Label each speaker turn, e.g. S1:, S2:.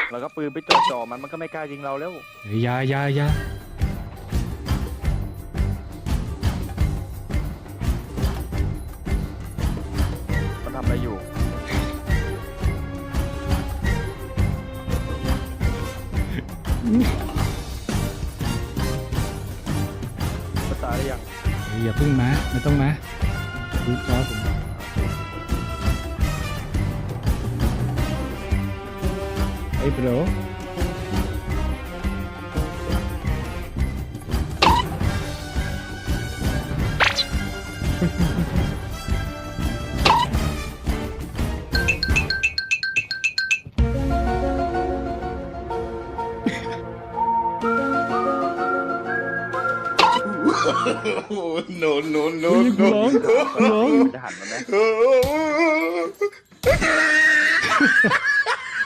S1: แล้วก็ปืนไปจ่อมันก็ไม่กล้ายิงเราแล้ว
S2: อย่า
S1: มันทำอะไรอยู่มันตายหรือยัง
S2: อย่าพึ่งมาไม่ต้องมาดูจอผมไอ้โบร
S3: no, no, no,
S2: ร้อง
S3: no.
S1: จะหันมาไหม